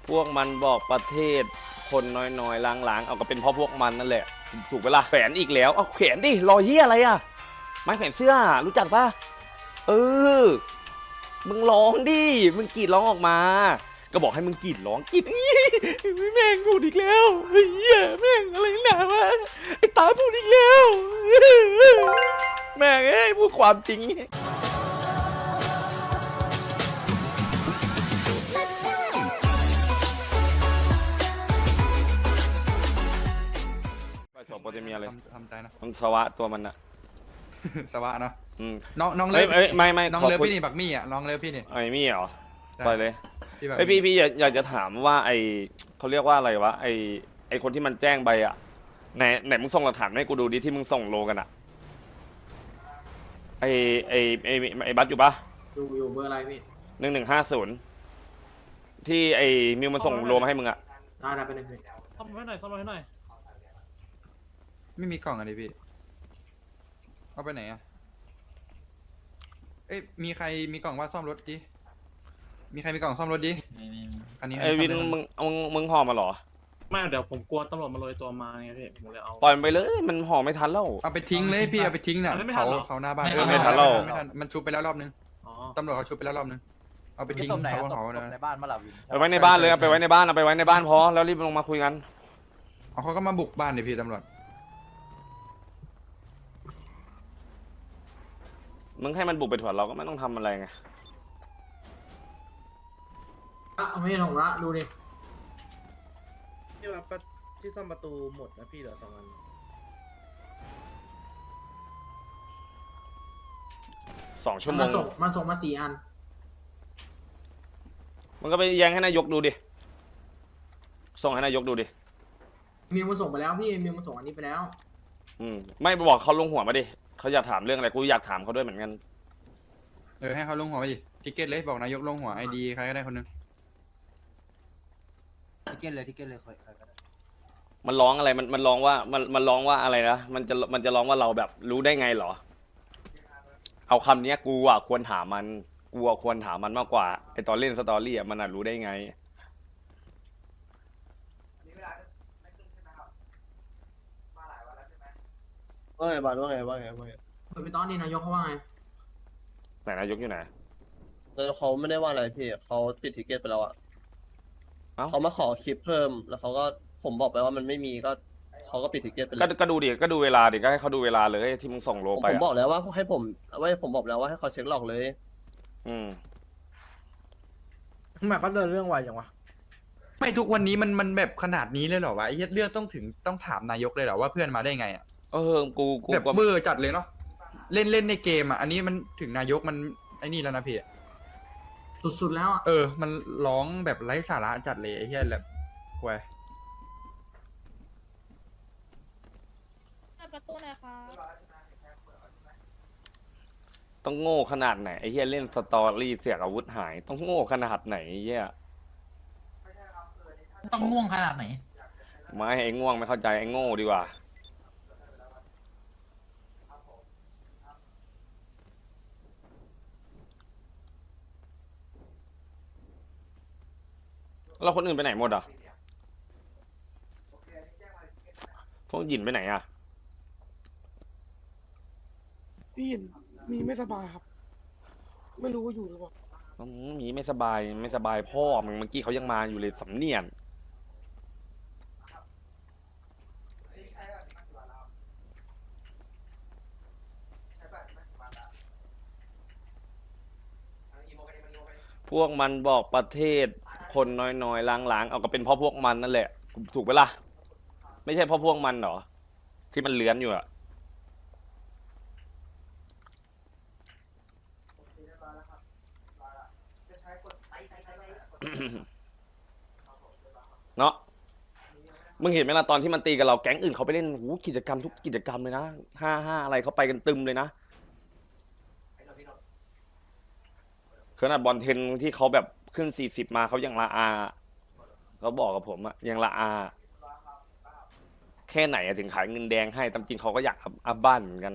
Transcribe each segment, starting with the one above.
พวกมันบอกประเทศคนน้อยๆล้างๆเอาก็เป็นเพราะพวกมันนั่นแหละถูกเวลาแขวนอีกแล้วเอาแขวนดิรอยเหี้ยอะไรอะไม้แขวนเสื้อรู้จักปะเออมึงร้องดิมึงกรีดร้องออกมาก็บอกให้มึงกรีดร้องกรีดแม่งพูดอีกแล้วเฮียแม่งอะไรหนาวะไอ้ตาพูดอีกแล้วแม่งเอ้ยพูดความจริงสอบโปรเตมีอะไรทำใจนะมันสวะตัวมันอะสวะเนาะอืมน้องเลิฟไม่น้องเลิฟพี่นี่บักมี่อ่ะน้องเลิฟพี่นี่ไอ้มี่เหรอไปเลยพี่แบบพี่อยากจะถามว่าไอเขาเรียกว่าอะไรวะไอคนที่มันแจ้งไปอะไหนมึงส่งหลักฐานให้กูดูดิที่มึงส่งโลกันอะไอไอบัสอยู่ปะอยู่เบอร์อะไรพี่ 1150ที่ไอมิวมันส่งโลมาให้มึงอะได้ไปหนึ่งพี่ซ่อมให้หน่อยซ่อมให้หน่อยไม่มีกล่องอะไรพี่เอาไปไหนอ่ะเอ้ยมีใครมีกล่องว่าซ่อมรถดิมีใครมีกล่องซ่อมรถดิอันนี้ไอวินมึงห่อมาเหรอไม่เดี๋ยวผมกลัวตำรวจมาโรยตัวมาไงพี่ผมเลยเอาปล่อยมันไปเลยมันห่อไม่ทันแล้วเอาไปทิ้งเลยพี่เอาไปทิ้งน่ะไม่ทันหรอเขาหน้าบ้านไม่ทันแล้วไม่ทันมันชุบไปแล้วรอบนึงอ๋อตำรวจเขาชุบไปแล้วรอบนึงเอาไปทิ้งศพไหนเขาศพเขาศพในบ้านมาหลับวินไปไว้ในบ้านเลยเอาไปไว้ในบ้านเอาไปไว้ในบ้านพอแล้วรีบลงมาคุยกันเอาเขาก็มาบุกบ้านเดี๋ยวพี่ตำรวจมึงให้มันบุกไปถวดเราก็ไม่ต้องทำอะไรไงเอาไม่ใช่ของละดูดิที่รับที่ซ่อมประตูหมดนะพี่เหลือ2 อัน 2 ชั่วโมมาง ส่งมา4 อันมันก็ไปแย้งให้นายกดูดิส่งให้นายกดูดิมิวมาส่งไปแล้วพี่มิวมาส่งอันนี้ไปแล้วไม่บอกเขาลงหัวมาดิเขาอยากถามเรื่องอะไรกูอยากถามเขาด้วยเหมือนกันให้เขาลงหัวไปดิทิเก็ตเลยบอกนายกลงหัวไอดีใครก็ได้คนนึงทิเก็ตเลยใครก็ได้มันร้องอะไรมันร้องว่ามันร้องว่าอะไรนะมันจะร้องว่าเราแบบรู้ได้ไงเหรอเอาคำเนี้ยกูอ่ะควรถามมันกูอ่ะควรถามมันมากกว่าไอตอนเล่นสตอรี่อ่ะมันอ่ะรู้ได้ไงว่าไงบาลว่าไงเปิดไปตอนนี้นายกเขาว่าไงไหนนายกอยู่ไหนแล้วเขาไม่ได้ว่าอะไรพี่เขาปิดทิเก็ตไปแล้วอ่ะเอ้าเขามาขอคลิปเพิ่มแล้วเขาก็ผมบอกไปว่ามันไม่มีก็เขาก็ปิดทิเก็ตไปเลยก็ดูดิก็ดูเวลาดิก็ให้เขาดูเวลาเลยที่มึงส่งโลผมไปผมบออ่ะกแล้วว่าให้ผมบอกแล้วว่าให้เขาเช็คหลอกเลยอืมหมายก็เดินเรื่องไวจังวะไม่ทุกวันนี้มันแบบขนาดนี้เลยเหรอวะไอ้เหี้ยเรื่องต้องถามนายกเลยเหรอว่าเพื่อนมาได้ไงอ่ะกูแบบก็เบอร์จัดเลยเนาะเล่นในเกมอ่ะอันนี้มันถึงนายกมันไอ้นี่แล้วนะพี่สุดๆแล้วอ่ะมันร้องแบบไร้สาระจัดเลยไอ้เหี้ยแบบควยเปิดประตูหน่อยค่ะต้องโง่ขนาดไหนไอ้เหี้ยเล่นสตอรี่เสียอาวุธหายต้องโง่ขนาดไหนไอ้เหี้ยต้องง่วงขนาดไหนไม่ไอ้ง่วงไม่เข้าใจไอ้โง่ดีกว่าแล้วคนอื่นไปไหนหมดอ่ะพวกหยินไปไหนอ่ะพี่เห็นมีไม่สบายครับ ไม่รู้ว่าอยู่หรือเปล่ามีไม่สบายพ่อมึงเมื่อกี้เขายังมาอยู่เลยสำเนียงพวกมันบอกประเทศคนน้อยๆล้างๆเอาก็เป็นเพราะพวกมันนั่นแหละถูกไหมล่ะไม่ใช่เพราะพวกมันเหรอที่มันเลื้อนอยู่อะ เนาะมึงเห็นไหมล่ะตอนที่มันตีกับเราแก๊งอื่นเขาไปเล่นหูกิจกรรมทุกกิจกรรมเลยนะ5-5อะไรเขาไปกันตึมเลยนะขนาดบอลเทนที่เขาแบบขึ้น40มาเขายังละอาเขาบอกกับผมอะยังละอาแค่ไหนอะถึงขายเงินแดงให้ตามจริงเขาก็อยากอัพบ้านเหมือนกัน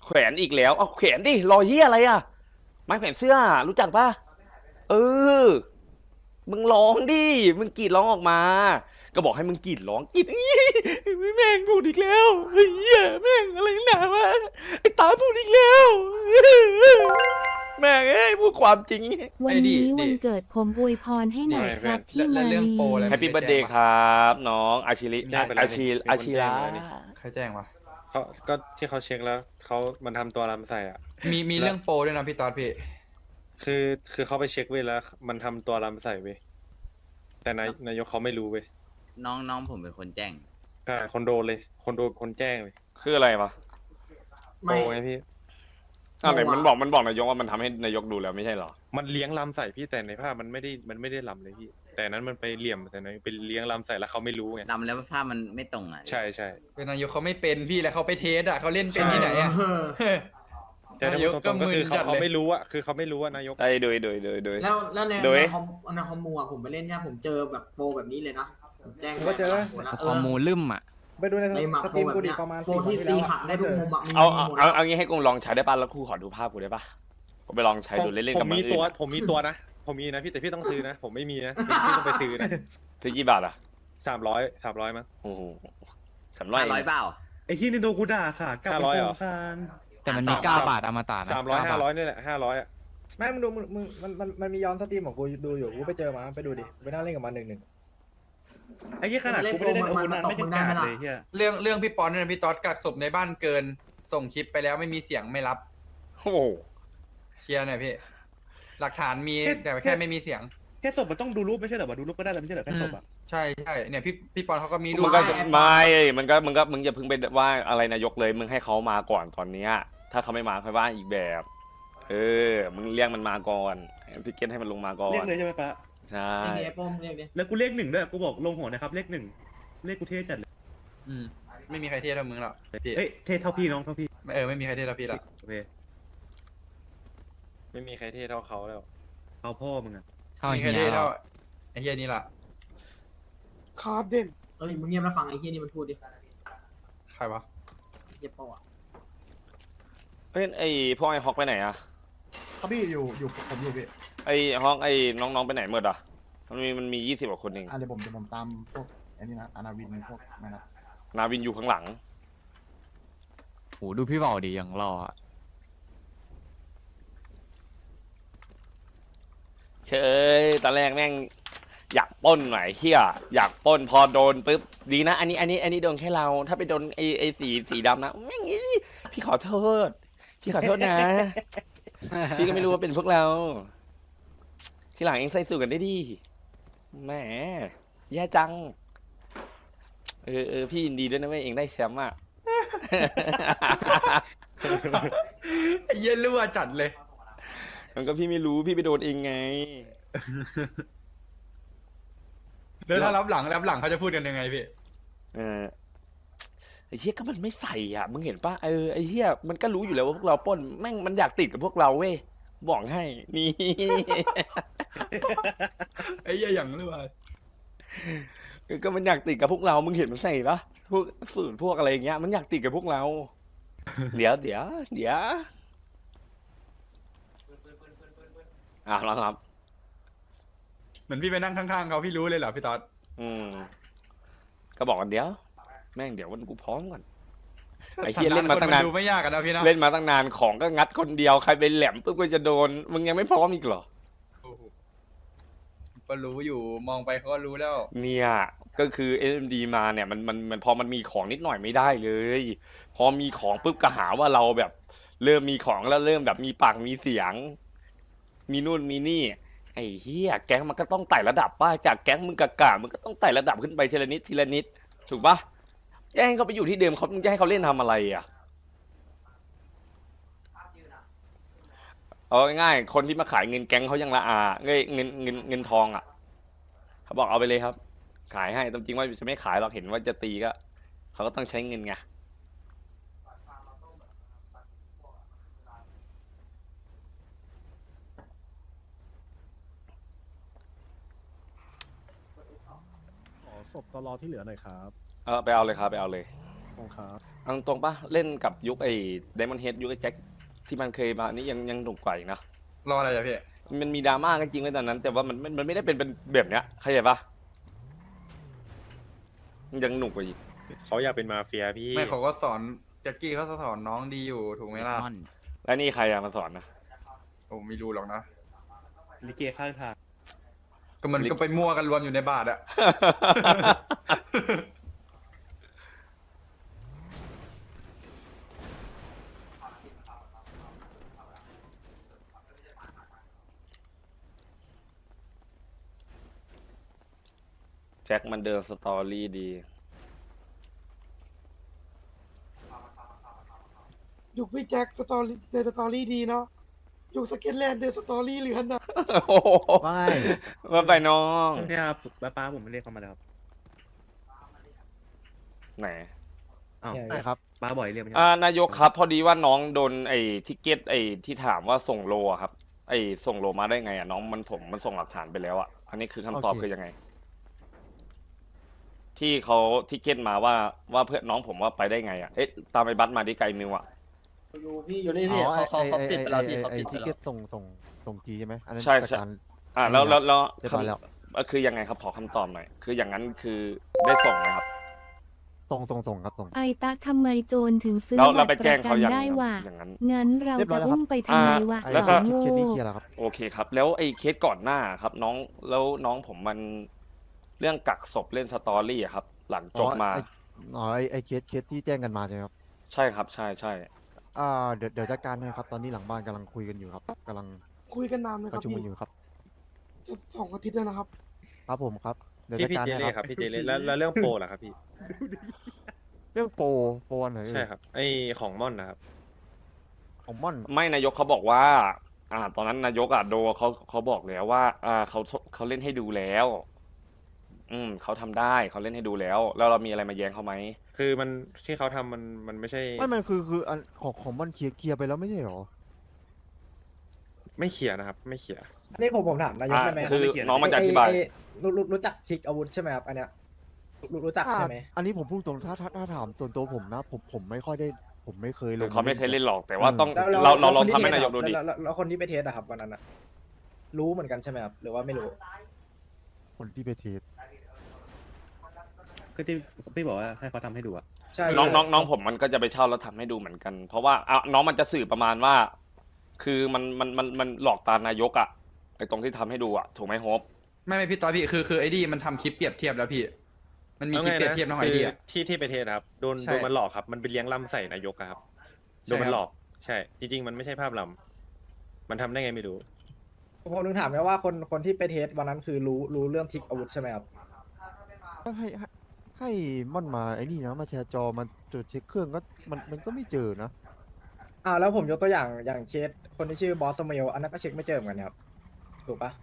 แขวนอีกแล้วเอาแขวนดิรอเฮียอะไรอ่ะไม้แขวนเสื้อรู้จักปะเออมึงร้องดิมึงกรีดร้องออกมา ก็บอกให้มึงกรีดร้องกรีดแม่งพูดอีกแล้วเฮียแม่งอะไรหนาวะไอ้ตาพูดอีกแล้ว แม่งเอ้ยพูดความจริงวันนี้วันเกิดผมอวยพรให้หน่อยครับพี่และมาเรื่องลีโปรอะไรแฮปปี้เบิร์ดเดย์ครับน้องอาชิริอาชิระใครแจ้งวะเขาก็ที่เขาเช็คแล้วเขามันทำตัวรำใส่อ่ะมีเรื่องโปรด้วยนะพี่ตอดพี่คือเขาไปเช็คเว้ยแล้ว มันทำตัวรำใส่เว้ยแต่นายกเขาไม่รู้เว้ยน้องผมเป็นคนแจ้งใช่คนโดนเลยคนแจ้งเลยคืออะไรวะโปไม่ไงพี่อะไรมันบอกนายกว่ามันทำให้นายกดูแล้วไม่ใช่เหรอมันเลี้ยงรำใส่พี่แต่ในภาพมันไม่ได้รำเลยพี่ แต่นั้นมันไปเหลี่ยมใส่นายไปเลี้ยงรำใส่แล้วเขาไม่รู้ไงลำแล้วภาพมันไม่ตรงอ่ะใช่ใช่เป็นนายกเขาไม่เป็นพี่แล้วเขาไปเทสอ่ะเขาเล่นเป็นที่ไหนอ่ะแต่ถ้าพูดตรงๆก็คือเขาไม่รู้อ่ะคือเขาไม่รู้ว่านายกไอ้โดยแล้วในโดยในคอมมูอะผมไปเล่นเนี่ยผมเจอแบบโปรแบบนี้เลยนะผมแจ้งผมก็เจอคอมมูลืมอ่ะไปดูในในหมักสโปตรรีมแบบกูดิเนี้ยประมาณโปร 4 ที่วันตีที่แล้วขัดได้ทุกมุมอะมีเอาหมดเอางี้ให้กูลองใช้ได้ป่ะแล้วกูขอดูภาพกูได้ป่ะกูไปลองใช้ดูเล่นๆกับผมมันมีอื่ตัวน ผมมีตัวนะผมมีนะพี่แต่พี่ต้องซื้อนะ ผมไม่มีนะพี่ต้องไปซื้อนะซื้อกี่บาทอ่ะ 300มั้งโอ้โห300 500เปล่าไอ้ที่นี่โดนกูด่าค่ะกลับไป 500เหรอโครงการแต่มันมี 9 บาทอมตะนะ 300 500นี่แหละ500อ่ะไม่มึงดูมึงมันมีย้อนสตรีมของกูดูอยู่กูไปเจอมาไปดูดิไปนั่งเล่นกับมัน1-1ไอ้ที่ขนาดกูไม่ได้เล่นอาวุธนั้นไม่ยังกาดเลยเฮียเรื่องพี่ปอนด้วยนะพี่ตอดกักศพในบ้านเกิน ส่งคลิปไปแล้วไม่มีเสียงไม่รับโอ้โหเคลียร์หน่อยพี่ หลักฐานมีแต่แค่ไม่มีเสียงแค่ศพมันต้องดูรูปไม่ใช่เหรอวะดูรูปก็ได้แล้วไม่ใช่เหรอแค่ศพอ่ะใช่เนี่ยพี่ปอนเขาก็มีรูมึปงก็ไม่มึงอย่าเพิ่งไปว่าอะไรนายกเลยมึงให้เขามาก่อนตอนเนี้ยถ้าเขาไม่มาค่อยว่าอีกแบบ มึงเรียกมันมาก่อนพิกเก็ตให้มันลงมาก่อนเรียกเลยใช่ไหมปะใช่เรียกดิไอ้โป้มเรียกดิแล้วกูเรียก1ด้วยกูบอกลงหัวนะครับเลข1เลขกูเท่จัดเลยไม่มีใครเทียบเท่ามึงหรอกพี่เอ้ยเท่เท่าพี่น้องเท่าพี่ไม่มีใครเทียบเท่าพี่หรอกโอเคไม่มีใครเท่เท่าเขาแล้วเอาพ่อมึงอ่ะมีใครเทียบเท่าไอ้เฮียนี่ล่ะครับเด่นเอ้ยมึงเงียบแล้วฟังไอ้เฮียนี่มันพูดดิใครวะเฮียโป้อะไอ้พวกไอ้ฮอกไปไหนอะครับพี่อยู่ผมอยู่พี่ไอ้ฮอกไอ้น้องๆไปไหนหมดอ่ะมันมี20 กว่าคนเองเดี๋ยวผมตามพวกอันนี้นะอานาวินพวกไม่นะนาวินอยู่ข้างหลังโหดูพี่บอกดิอย่างรออะเชยตอนแรกแม่งอยากปล้นหน่อยเฮียอยากปล้นพอโดนปุ๊บดีนะอันนี้โดนแค่เราถ้าไปโดนไอ้สีดำนะแม่งพี่ขอโทษนะ พี่ก็ไม่รู้ว่าเป็นพวกเรา ทีหลังเองใส่สูทกันได้ดีแหมแย่จังพี่ยินดีด้วยนะเว้ยเองได้แชมป์อ่ะไอ้เหี้ยรั่วจัดเลยมันก็พี่ไม่รู้พี่ไปโดนเองไงแล้วถ้ารับหลังเขาจะพูดกันยังไงพี่ไอ้เหี้ยก็มันไม่ใส่อ่ะมึงเห็นปะไอ้เหี้ยมันก็รู้อยู่แล้วว่าพวกเราปล้นแม่งมันอยากติดกับพวกเราเว้ยบอกให้นี่ไอ้เหี้ยอย่างรั่วก็มันอยากติดกับพวกเรามึงเห็นมันใส่ปะพวกสูตรพวกอะไรอย่างเงี้ยมันอยากติดกับพวกเรา เดี๋ยวแล้วครับเหมือนพี่ไปนั่งข้างๆเขาพี่รู้เลยเหรอพี่ต๊อดก็บอกกันเดี๋ยวแม่งเดี๋ยววันกูพร้อมก่อนไอ้เฮียเล่นมาตั้งนานดูไม่ยากกันนะพี่นะเล่นมาตั้งนานของก็งัดคนเดียวใครไปแหลมปุ๊บก็จะโดนมึงยังไม่พร้อมอีกเหรอก็รู้อยู่มองไปเขาก็รู้แล้วเนี่ยก็คือ SMD มาเนี่ยมันพอมันมีของนิดหน่อยไม่ได้เลย พอมีของปุ๊บก็หาว่าเราแบบเริ่มมีของแล้วเริ่มแบบมีปากมีเสียง มีนู่นมีนี่ไอ้เฮียแก๊งมันก็ต้องไต่ระดับป้าจากแก๊งมึงกะมึงก็ต้องไต่ระดับขึ้นไปทีละนิดถูกปะจะให้เขาไปอยู่ที่เดิมเขาจะให้เขาเล่นทำอะไรอ่ะเอาง่ายๆคนที่มาขายเงินแก๊งเขายังละอาเงินทองอ่ะเขาบอกเอาไปเลยครับ ขายให้แต่จริงว่าจะไม่ขายหรอกเห็นว่าจะตีก็เขาก็ต้องใช้เงินไงขอศพตลอที่เหลือหน่อยครับไปเอาเลยครับไปเอาเลยเอาตรงๆปะเล่นกับยุคไอ้ไดมอนด์เฮดยุคไอ้แจ็คที่มันเคยมานี่ยังหนุกกว่าอีกนะรออะไรอะพี่มันมีดราม่ากันจริงเลยตอนนั้น แต่ว่ามันไม่ได้เป็นแบบเนี้ยเข้าใจปะยังหนุกกว่าอีกเขาอยากเป็นมาเฟียพี่ไม่เขาก็สอนแจ็คกี้เขาสอนน้องดีอยู่ถูกไหมล่ะแล้วนี่ใครอะมาสอนนะผมไม่รู้หรอกนะลิเกข้างทางก็มันก็ไปมั่วกันรวมอยู่ในบาทอะแจ็คมันเดินสตอรี่ดียุคพี่แจ็คสตอรี่ในสตอรี่ดีเนาะยุคสเก็ตแลนด์ในสตอรี่เลือนนะโอ้โหไม่มาไปน้องเนี่ยครับป้าผมไม่เรียกเขามาแล้วครับไหนอ้าวเนี่ยใช่ครับป้าบ่อยเรียกไหมนายกครับ พอดีว่าน้องโดนไอ้ทิกเก็ตไอ้ที่ถามว่าส่งโลอะครับ ไอ้ส่งโลมาได้ไงอะน้องมันส่งหลักฐานไปแล้วอะอันนี้คือคำตอบโอเคคือยังไง ที่เขาทิกเก็ตมาว่าเพื่อนน้องผมว่าไปได้ไงอะเอ๊ะตามไปบัสมาดิไกลมิวอะอยู่นี่พี่เขาติดไปแล้วพี่เขาติดไปแล้วทิเก็ตส่งทีใช่ไหมอันนั้นใช่จัดใช่การแล้วเรียบร้อยแล้วคือยังไงครับขอคำตอบหน่อยคืออย่างนั้นคือได้ส่งไหมครับส่งครับส่งไอตะทำไมโจรถึงซื้อแล้วบัเราตรไปปแจ้งระกัเขานยังได้ว่ะอย่างนั้นงั้นเราเรียบร้อจะยแล้วครับอุ้มไปทำไมวะแล้วสก็าวเคโง่สนี้เคลียร์แล้วครับโอเคครับ แล้วไอ้เคสก่อนหน้าครับ แล้วน้องผมมันเรื่องกักศพเล่นสตอรี่อะครับ หลังจบมาไอ้เคสที่แจ้งกันมาใช่ไหมครับใช่ครับใช่ใช่เดี๋ยวจัดการให้ครับตอนนี้หลังบ้านกำลังคุยกันอยู่ครับกำลังคุยกันนานไหมปครับระชุมพี่กันอยู่ครับจะ2 อาทิตย์แล้วนะครับครับผมครับเดี๋ยวพี่จัดพี่การเจให้เล่คครัรับ บพี่เจเล่แล้วเรื่องโปรล่ะครับพี่เรื่องโปรอันไหนเอ่ยใช่ครับไอของม่อนนะครับของม่อนไม่นายกเขาบอกว่า ตอนนั้นนายกโดเขาบอกแล้วว่าเขาเล่นให้ดูแล้ว เขาทำได้เขาเล่นให้ดูแล้วเรามีอะไรมาแย้งเขาไหมคือมันที่เขาทำมันไม่ใช่ไม่มันคืออันของม่อนเคลียร์ไปแล้วไม่ใช่หรอไม่เขียนนะครับ ไม่เขียนอันนี้ผมถามนายกได้ไหมคือน้องมันจะอธิบายรู้จักทิกอาวุธใช่ไหมครับอันเนี้ยรู้จักใช่ไหมอันนี้ผมพูดตรงถ้าถามส่วนตัวผมนะผมไม่ค่อยได้ผมไม่เคยลงเขาไม่เคยเล่นหรอกแต่ว่าต้องแล้วเราลองคนที่ทำให้เทสนายกดูดิแล้วคนที่ไปเทสอะครับวันนั้นอะรู้เหมือนกันใช่ไหมครับหรือว่าไม่รู้คนที่ไปเทสก็ที่พี่บอกว่าให้เขาทำให้ดูอะใช่น้องผมมันก็จะไปเช่าแล้วทำให้ดูเหมือนกัน เพราะว่าน้องมันจะสื่อประมาณว่า คือมันหลอกตานายกอะไอ้ตรงที่ทำให้ดูอะถูกไหมโฮปไม่พี่ตอนพี่คือไอ้ดีมันทำคลิปเปรียบเทียบแล้วพี่ มันมีคลิปเปรียบเทียบน้องไอเดียที่ไปเทสครับโดนใช่โดนมันหลอกครับมันไปเลี้ยงลำใส่นายกอะครับใช่โดนมันครับหลอกใช่ จริง ๆ มันไม่ใช่ภาพลำมันทำได้ไงไม่รู้ผมถึงถามไงว่าคนที่ไปเทสวันนั้นคือรู้เรื่องทิกอาวุธใช่ไหมครับก็ให้ม่อนมาไอ้นี่นะมาแชร์จอมาตรวจเช็คเครื่องก็มันก็ไม่เจอนะแล้วผมยกตัวอย่างเคสคนที่ชื่อบอสเมลอันนั้นก็เช็คไม่เจอเหมือนกันครับถูกปะ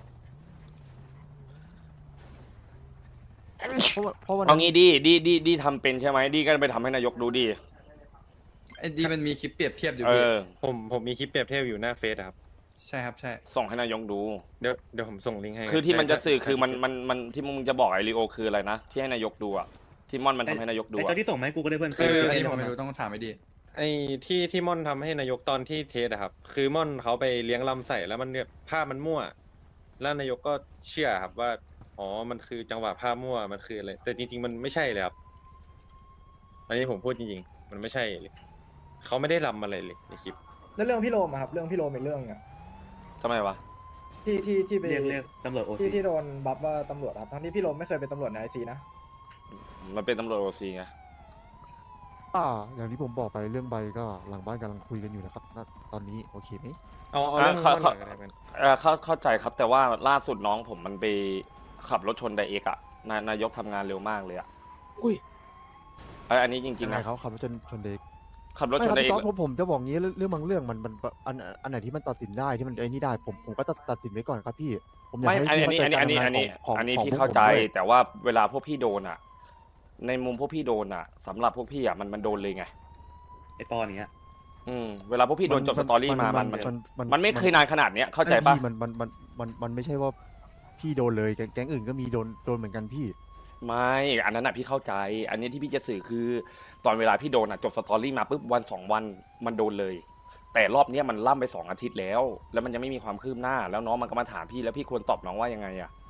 เพราะวันเอานั้นงี้ดีทำเป็นใช่ไหมดีก็ไปทำให้นายกดูดิไอ้ดีมันมีคลิปเปรียบเทียบอยู่เอพี่อผมมีคลิปเปรียบเทียบอยู่หน้าเฟซอะครับใช่ครับใช่ส่งให้นายกดูเดี๋ยวผมส่งลิงก์ให้คือที่มันจะสื่อได้คือมันที่มึงจะบอกไอริโอคืออะไรนะที่ให้นายกดูอะที่ม่อนมันทำให้นายกดูไออะตอนที่ส่งมาให้กูก็ได้เพื่อนคืออันนี้ผมไม่รู้ต้องถามไอ้ดีไอ้ที่ม่อนทำให้นายกตอนที่เทสอะครับ คือม่อนเขาไปเลี้ยงลำใส่แล้วมันเนี่ยภาพมันมั่ว แล้วนายกก็เชื่อครับว่าอ๋อมันคือจังหวะภาพมั่วมันคืออะไรแต่จริงๆมันไม่ใช่เลยครับอันนี้ผมพูดจริงๆมันไม่ใช่เลยเขาไม่ได้ลำอะไรเลยในคลิปแล้วเรื่องพี่โรมอะครับเรื่องพี่โรมเป็นเรื่องอะทำไมวะที่ไปเรียกตำรวจโอซีที่โดนบัฟว่าตำรวจครับทั้งที่พี่โรมไม่เคยเป็นตำรวจในไอซีนะมันเป็นตำรวจโอซีไงอย่างที่ผมบอกไปเรื่องใบก็หลังบ้านกำลังคุยกันอยู่นะครับณตอนนี้โอเคไหมเอาเรื่องม่อนก่อนก็ได้เป็นเข้าใจครับแต่ว่าล่าสุดน้องผมมันไปขับรถชนไดเอกอะนายกทำงานเร็วมากเลยอะอุ้ยอันนี้จริงๆยังไงนะเขาขับรถชนเด็กขับรถไม่ชคน รับไดเอพี่กต๊อดผมจะบอกงี้เรื่องบางเรื่องมันอันไหนที่มันตัดสินได้ที่มันไอ้นี่ได้ผมก็ตัดสินไว้ก่อนครับพี่ผมอยากไม่ให้อันพี่นี้เข้าใจอัการนนี้ทำงานของอันนี้ของพี่พวกเข้าผมใจด้วยแต่ว่าเวลาพวกพี่โดนอะในมุมพวกพี่โดนอะสำหรับพวกพี่อะมันโดนเลยไงไอปอนเนี้ยเวลาพวกพี่โดนจบสตอรี่มามันไม่เคยนานขนาดเนี้ยเข้าใจปะพี่มันไม่ใช่ว่าพี่โดนเลยแก๊งอื่นก็มีโดนเหมือนกันพี่ไม่อันนั้นพี่เข้าใจ อันนี้ที่พี่จะสื่อคือตอนเวลาพี่โดนจบสตอรี่มาปุ๊บวัน2 วันมันโดนเลย แต่รอบเนี้ยมันล่ำไป2 อาทิตย์แล้ว แล้วมันยังไม่มีความคืบหน้า แล้วน้องมันก็มาถามพี่แล้วพี่ควรตอบน้องว่ายังไง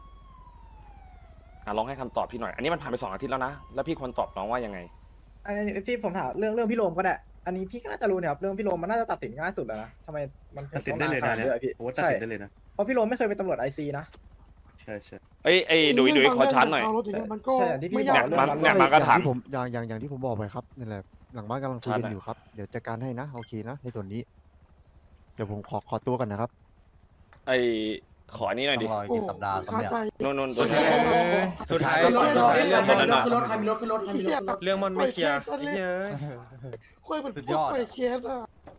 ลองให้คำตอบพี่หน่อย อันนี้มันผ่านไป2 อาทิตย์แล้วนะแล้วพี่ควรตอบน้องว่ายังไงอันนี้พี่ผมถามเรื่องพี่โรมก็ได้อันนี้พี่ก็น่าจะรู้เนี่ยครับเรื่องพี่โรมมันน่าจะตัดสินง่ายสุดแล้วนะทำไมมันตัดสินได้เลยนะเนี่ยพี่ตัดสินได้เลยนะเพราะพี่โรมไม่เคยเป็นตำรวจไอซีนะเอ้ยดุยขอชาร์จหน่อยเรื่องบางเรื่องมันก็ใช่อย่างที่พี่ไม่บยาอกกเรื่องเนี่ยมันก็ถามที่ผมอย่างที่ผมบอกไปครับนั่นแหละหลังบ้านกำลังคุยกันชัดอะอยู่ครับเดี๋ยวจัดการให้นะโอเคนะในส่วนนี้ เดี๋ยวผมขอตัวกันนะครับไอ้ขออันนี้หน่อยดิโอ้คาใจนู่นตัวนี้สุดท้ายขึ้นรถสุดท้ายเรื่องมันขึ้นรถใครมีรถขึ้นรถใครมีรถขึ้นรถเรื่องมันไม่เคลียร์ไอ้เหี้ยคุยเป็นพวกไปเคสอ่ะ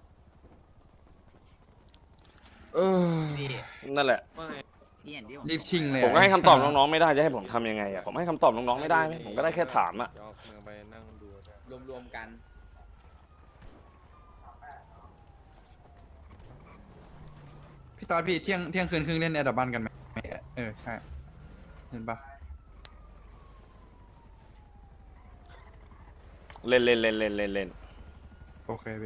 นั่นแหละรีบชิงเลยผมก็ให้คำตอบน้องๆไม่ได้จะให้ผมทำยังไงผมให้คำตอบน้องๆไม่ได้ไหมผมก็ได้แค่ถามไปนั่งดูรวมๆกันพี่ตอนพี่เที่ยงคืนครึ่งเล่นแอดดับบันกันไหมใช่เห็นปะเล่นโอเคพี่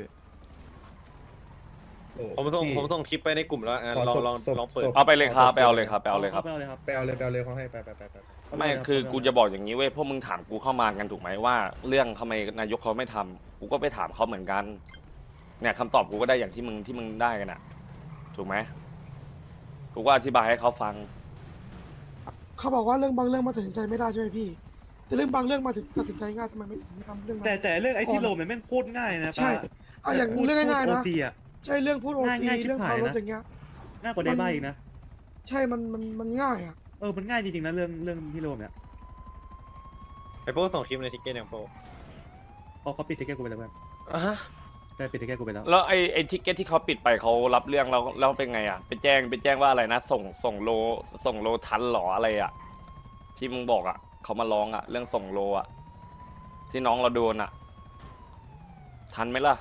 ผมส่งคลิปไปในกลุ่มแล้วลองเปิดเอาไปเลยครับไปเอาเลยครับไปเอาเลยเขาให้ไปไม่คือกูจะบอกอย่างนี้เว้ยพวกมึงถามกูเข้ามากันถูกไหมว่า เรื่องทำไมนายกเขาไม่ทำกูก็ไปถามเขาเหมือนกัน เนี่ยคำตอบกูก็ได้อย่างที่มึงได้กันอ่ะ ถูกไหมกูก็อธิบายให้เขาฟังเขาบอกว่าเรื่องบางเรื่องมาตัดสินใจไม่ได้ใช่ไหมพี่ แต่เรื่องบางเรื่องมาถึงตัดสินใจง่ายทำไมไม่ทำเรื่องนั้นแต่เรื่องไอ้ที่โรมเนี่ยแม่งโคตรง่ายนะใช่เอาอย่างเรื่องง่ายๆนะโอซีอ่ะใช่เรื่องพูดโอซีง่ายๆชิบเรื่องหาขัยบรถนะอย่างเงี้ยง่ายกว่าได้บ้าอีกนะใช่มันง่ายอ่ะมันง่ายจริงๆนะเรื่องพี่โรมเนี่ยไอ้พวกส่งคลิปในทิกเก็ตอย่างโปเขาปิดทิกเก็ตกูไปแล้วเพื่อนได้ปิดทิกเก็ตกูไปแล้วแล้วไอ้ทิกเก็ตที่เขาปิดไปเขารับเรื่องแล้วเป็นไงอ่ะไปแจ้งว่าอะไรนะส่งโลทันหรออะไรอ่ะที่มึงบอกอ่ะเขามาร้องอ่ะเรื่องส่งโลอ่ะที่น้องเราโดนอ่ะทันไหมล่ะ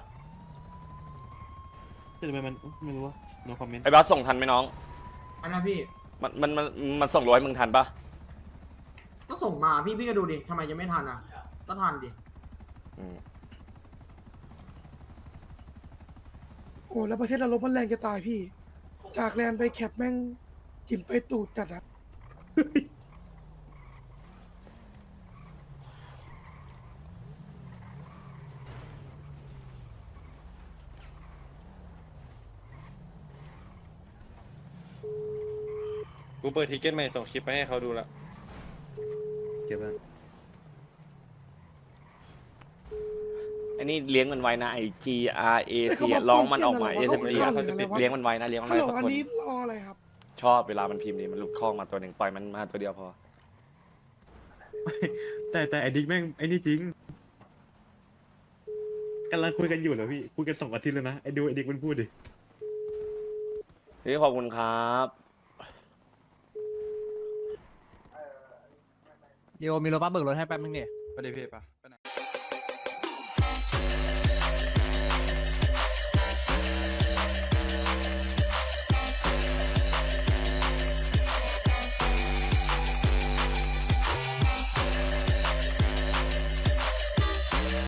ทำไมมันไม่รู้ว่าโนคอมเมนต์ไอ้บัสส่งทันไหมน้องอันนั้นพี่มันส่งร้อยมึงทันปะก็ส่งมาพี่ก็ดูดิทำไมยังไม่ทันอ่ะก็ทันดิอืมโอ้แล้วประเทศเราลบมันแรงจะตายพี่ จากแลนไปแคปแม่งจิ้มไปตูดจัดอะกูเปิดทิกเก็ตใหม่ส่งคลิปไปให้เขาดูละเก็บไว้ไอ้นี่เลี้ยงมันไว้นะไอ้ GRAC อะร้องมันออกมาเลี้ยงมันไว้นะเลี้ยงมันฮัลไว้โหลสักอันคนนี้รออะไรครับชอบเวลามันพิมพ์นี่มันหลุดข้องมาตัวหนึ่งปล่อยมันมาตัวเดียวพอแต่ไอ้ดิ๊กแม่งไอ้นี่จริงกำลังคุยกันอยู่เหรอพี่คุยกัน2 อาทิตย์แล้วนะไอ้ดิ๊กมันพูดดิพี่ขอบคุณครับโยมีรถบัสเบิกรถให้แป๊บนึงเนี่ยไปดิพี่ปะ